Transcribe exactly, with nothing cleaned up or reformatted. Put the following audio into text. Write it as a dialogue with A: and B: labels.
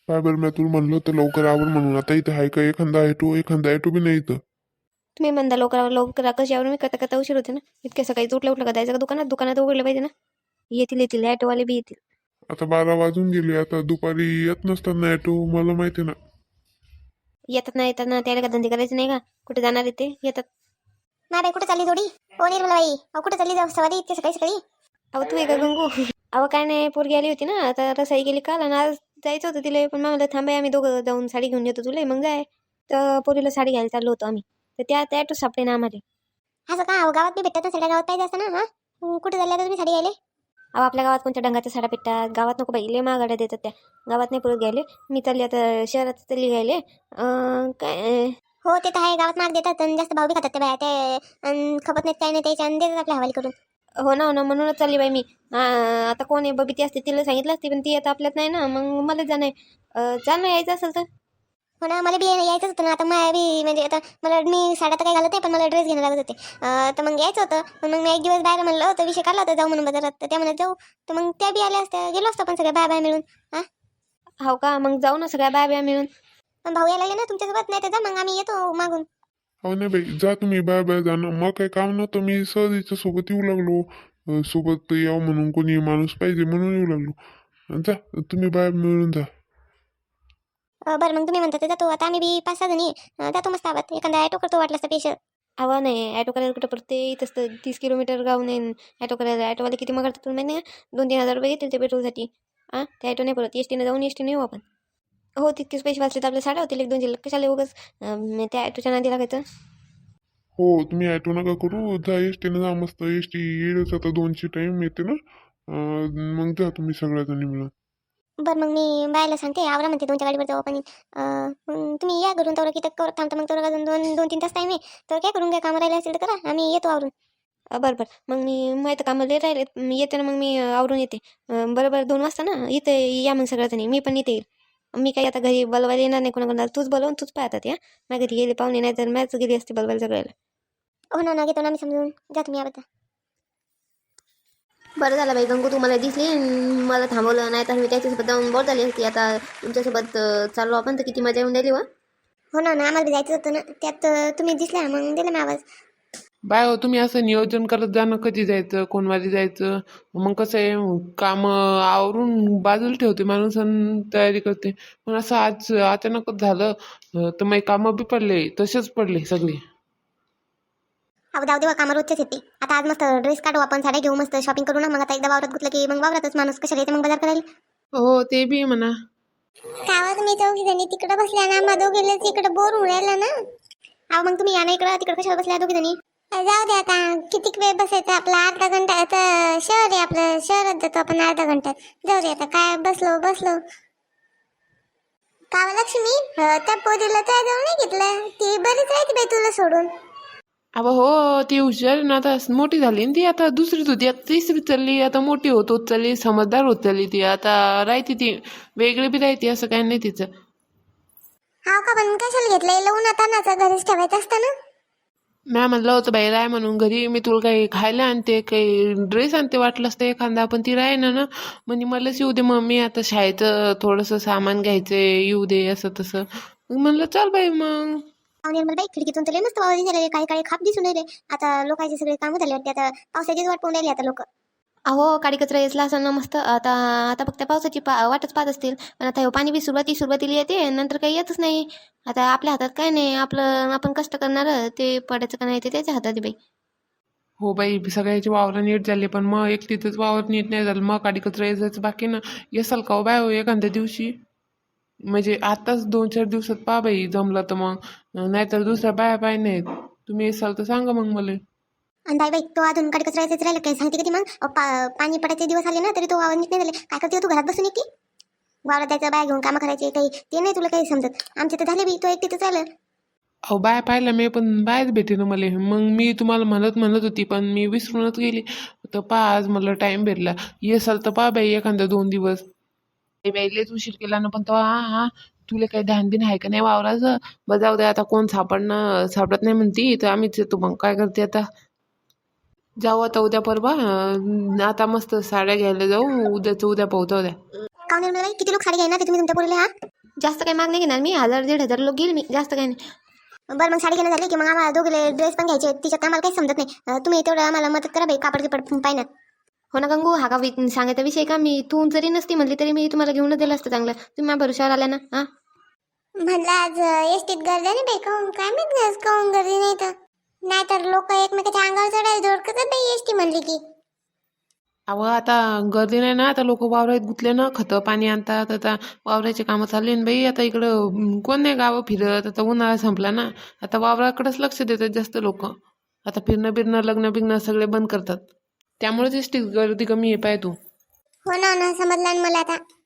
A: काय बरं मी तुला म्हणलं तर लवकर आवर म्हणून. आता इथं आहे का एखादा ॲटो? एखादा ॲटो बी नाही इथं.
B: तुम्ही म्हणता लवकर लवकर कशावर मी करता करता उशीर होते ना. इतक्या सकाळी उठलं उठलं का जायचं का दुकानात? दुकानात उघडलं पाहिजे ना. येतील येतील ॲटोवाले बी येतील.
A: आता बारा वाजून गेले. आता दुपारी येत नसतात ना ॲटो, मला माहिती आहे ना.
B: येतात ना येतात ना, त्याला का धंदे करायचे नाही का? कुठे जाणार आहे ते येतात.
C: नाही बाई, कुठे चालली थोडी? हो निर्मला बाई, अहो कुठे चालली जाऊ सवारी इतकी सकाळी सकाळी?
B: अहो तू आहे का गंगू? अहो काय नाही, पोरगी आली होती ना, आता रसाई गेली काल आणि आज जायचं होतं तिला, पण मला थांबाय आम्ही दोघं जाऊन साडी घेऊन येतो तुला मग जाय. तर पोरीला साडी घ्यायला चाललो होतो आम्ही, तर त्या त्या ॲटो सापडे ना आम्हाला.
C: असं का? अहो गावात बी भेटतात ना साड्या, गावात पाहिजे असतं ना. हा कुठे चालल्या आता तुम्ही साडी घ्यायला?
B: अहो आपल्या गावात कोणत्या डंगाच्या साड्या भेटतात? गावात नको बाई, लय महागाड्या देतात त्या. गावात नाही परत घ्यायले. मी चालली आता शहरात चालली घ्यायले. अं, काय
C: हो ते तर आहे, गावात माग देतात आणि जास्त भाव बी खातात ते बाया ते, अन् खपत नाहीत काही नाही त्याच्या आणि देतात आपल्या हवाली करून.
B: हो ना हो ना, म्हणूनच चालली बाई मी. अं, आता कोण आहे बबी असते तिला सांगितलं असते, पण ती आता आपल्यात नाही ना, मग मला जाणं आहे. चाल ना यायचं असेल तर.
C: हो ना, मला बी यायचंच होतं ना. आता मला बी म्हणजे आता मला मी साड्या तर काही घालत नाही, पण मला ड्रेस घेणं लागत होते. अं, तर मग यायचं होतं. पण मग मी एक दिवस बाहेर म्हणलं होतं, विषय काढला होता जाऊ म्हणून बाजारात, तर त्या म्हणत जाऊ. तर मग त्या बी आल्या असत्या, गेलो असतो पण सगळ्या बाय बाय मिळून. हा
B: हो का? मग जाऊ ना सगळ्या बाया बिया मिळून.
C: पण भाऊ यायला लागले ना तुमच्यासोबत, नाही तर जा मग आम्ही येतो मागून.
A: अहो नाही बाई, जा तुम्ही. बाय बाय जाणं मग काही काम नव्हतं. मी सहज हिच्या सोबत येऊ लागलो. अं, सोबत यावं म्हणून कोणी माणूस पाहिजे म्हणून येऊ लागलो. जा तुम्ही बाय मिळून जा.
C: अं, बरं मग तुम्ही म्हणता ते जातो. आता आम्ही बी पाच सहा जणी अं, जातो मस्त आवाज एखादा ॲटो करतो वाटलं असतं पेशल.
B: हवा नाही ॲटो करायला कुठं पडते इथंच तर तीस किलोमीटर गाव नाही. ॲटो करायला ॲटोवाले किती मग करतात तुला माहिती आहे का? दोन तीन हजार रुपये घेतील ते पेट्रोलसाठी. हां त्या ॲटो नाही पडत, एस टीनं जाऊन एस टीने येऊ आपण. हो तितकेच पैसे वाचले तर आपल्या साड्या होतील एक दोनशे लाख कशाला उगाच अं, त्या ॲटोच्या नादी लागायचं.
A: हो तुम्ही ॲटो नका करू. जा एस टीनं जा मस्त. एस टी येईलच आता, दोनशे टाईम येते ना. अं, मग जा तुम्ही सगळ्याजणी मिळून.
C: बरं मग मी बायला सांगते आवरा म्हणते तुमच्या गाडीवर जाऊ आपण. अं, मग तुम्ही या घरून तेवढं किती कर थांबता मग तेवढं अजून दोन दोन तीन तास टाईम आहे. तर काय करून काय कामं राहिले असेल तर करा, आम्ही येतो आवरून.
B: अं, बरं बरं मग मी माहीत कामाला लय राहिले मी येते ना, मग मी अं, आवरून येते. अं, बरं बरं दोन वाजता ना इथे या मग सगळ्याजणी, मी पण इथे येईल. मी काही आता घरी बोलवायला येणार नाही कोणाकोणाला, तूच बोलवून तूच पाहतात या. माझ्या घरी गेले पाहुणे नाही तर मॅच गेली असते बोलवायला सगळ्याला.
C: हो ना ना घेतो ना आम्ही समजून. जा तुम्ही या बद्दल.
B: बरं झालं बाई गंगू, तुम्हाला दिसली अन् मला थांबवलं, नाही तर मी त्याच्यासोबत जाऊन बोर झाली असती. आता तुमच्यासोबत अं, चाललो आपण तर किती मजा येऊन राहिली व.
C: हो ना ना, आम्हाला बी जायचं होतं ना, त्यात अं, तुम्ही दिसल्या मग दिला मी आवाज.
D: बाय हो तुम्ही असं नियोजन करत जा ना, कधी जायचं कोणवारी जायचं. मग कसं आहे काम आवरून बाजूला ठेवते माणूस आणि तयारी करते. पण असं आज अचानकच झालं अं, तर मग कामं बी पडले तसेच पडले सगळे.
C: अहो जाऊ देवा, कामं रोजच्याच येते. आता आज मस्त ड्रेस काढू आपण, साड्या घेऊ मस्त शॉपिंग करू ना. मग आता एकदा वावरात गुतलं की मग वावरातच माणूस कशाला येते मग बाजार करायला.
D: हो ते बी म्हणा.
C: गावात मी चौघी जणी तिकडे बसल्या ना, आम्हा दोघीलाच इकडे बोर होऊन राहिला ना. अहो मग तुम्ही या ना इकडं, तिकडे कशाला बसल्या दोघी जणी? जाऊ दे आता, किती वेळ बसायचं आपला अर्धा घंटा. आता शहर आहे आपलं, शहरात जातो आपण अर्धा घंट्यात. जाऊ दे आता, काय बसलो बसलो. का लक्ष्मी, त्या पोरीला त्या जाऊन नाही घेतलं, ती बरीच राहते बाई तुला सोडून.
D: अबा हो ती हुशार आहे ना, आता मोठी झाली ना ती, आता दुसरीच होती आता तिसरीत चालली, आता मोठी होत होत चालली, समजदार होत चालली ती. आता राहते ती वेगळी बी राहते, असं काही नाही तिचं.
C: हाव का? पण कशाला घेतलंय, लवून आता नाचा घरीच ठेवायचं असतं ना.
D: मॅ म्हणलं होतं बाई राय म्हणून घरी, मी तुला काही खायला आणते काही ड्रेस आणते वाटलंच ते एखादा, पण ती राही ना ना म्हणजे मलाच येऊ दे मम्मी, आता शाळेचं थोडंसं सामान घ्यायचंय येऊ दे असं तसं. मग म्हणलं चल बाई मग.
C: निर्मल बाई, खिडकीतून तुला मस्त वावर दिसले, काही काही खाप दिसून राहिले. आता लोकांचे सगळे कामं झाले वाटते, आता पावसाचीच वाट पाहून राहिली आता लोक.
B: अहो काडी कचरा येसला असं ना मस्त. आता आता फक्त पावसाची पा वाटच पाहत असतील, पण आता हे पाणी बी सुरुवाती सुरुवातीला येते नंतर काही येतच नाही. आता आपल्या हातात काय नाही, आपलं आपण कष्ट करणार ते पडायचं का नाही ते त्याच्या हातात आहे बाई.
D: हो बाई सगळ्याची वावर नीट झाली, पण मग एकटीच वावर नीट नाही झालं, मग काडी कचरा यायचं बाकी ना. येसाल का हो बाय हो एखाद्या दिवशी, म्हणजे आताच दोन चार दिवसात पहा बाई जमलं तर, मग नाहीतर दुसऱ्या बाया बाय नाहीत. तुम्ही येसाल तर सांगा मग मला.
C: आणि बाई बाई, तो अजून कडे कचरा यायचं राहिलं काय सांगते कधी मग? अहो, पा पाणी पडायचे दिवस आले ना तरी तो वावर नीट नाही झाले. काय करते तू घरात बसून की वावरात जायचं, बाय घेऊन कामं करायचे, काही ते नाही तुला काही समजत. आमचे तर झाले बी, तो एकटीच झालं.
D: अहो बाय पाहिलं मी, पण बायच भेटे ना मला. मग मी तुम्हाला म्हणत म्हणत होती पण मी विसरूनच गेली. तर पहा आज मला टाइम भेटला, येसाल तर पहा बाई एखादा दोन दिवस. बाई बाई लयच उशीर केला ना, पण तो हा हा तुला काही ध्यान बिन आहे का नाही वावराचं? बरं जाऊ दे आता, कोण सापडणं सापडत नाही म्हणती तर आम्हीच येतो. मग काय करते आता, जाऊ आता उद्या परवा. अं, आता मस्त साड्या घ्यायला जाऊ, उद्याचं उद्या पोहता उद्या.
C: काऊन निर्मल बाई, किती लोक साडी घ्यायना ते तुम्ही तुमच्या पोरीला? हा
B: जास्त काही माग नाही घेणार मी, हजार दीड हजार लोक घेईल मी, जास्त काही नाही.
C: बरं मग साडी घेणं झाली की मग आम्हाला दोघीले ड्रेस पण घ्यायचे, तिच्यात आम्हाला काही समजत नाही. अं, तुम्ही तेवढं आम्हाला मदत करा बाई, कापड किपड पाहिजे.
B: हो ना गंगू, हा का वि- सांगायचा विषय का? मी तू जरी नसती म्हणली तरी मी तुम्हाला घेऊनच दिलं असतं चांगलं. तुम्ही माझ्या भरोशावर आल्या ना. हां
C: म्हणलं आज एसटीत गर्दी नाही बाई, काहून काय माहित काहून गर्दी नाही तर नाहीतर लोक एकमेकाच्या अंगावर चढायला धोडकतात बाई एसटी म्हणली की.
D: अहो आता गर्दी नाही ना, आता लोक वावरात गुतले ना, खतं पाणी आणतात, आता वावराचे कामं चालले ना बाई. आता इकडं अं, कोण नाही गावं फिरत, आता उन्हाळा संपला ना, आता वावराकडेच लक्ष देतात जास्त लोक. आता फिरणं बिरणं लग्न बिग्न सगळे बंद करतात, त्यामुळेच एसटी गर्दी कमी आहे. पाय तू.
C: हो ना हो ना, समजलं ना मला आता.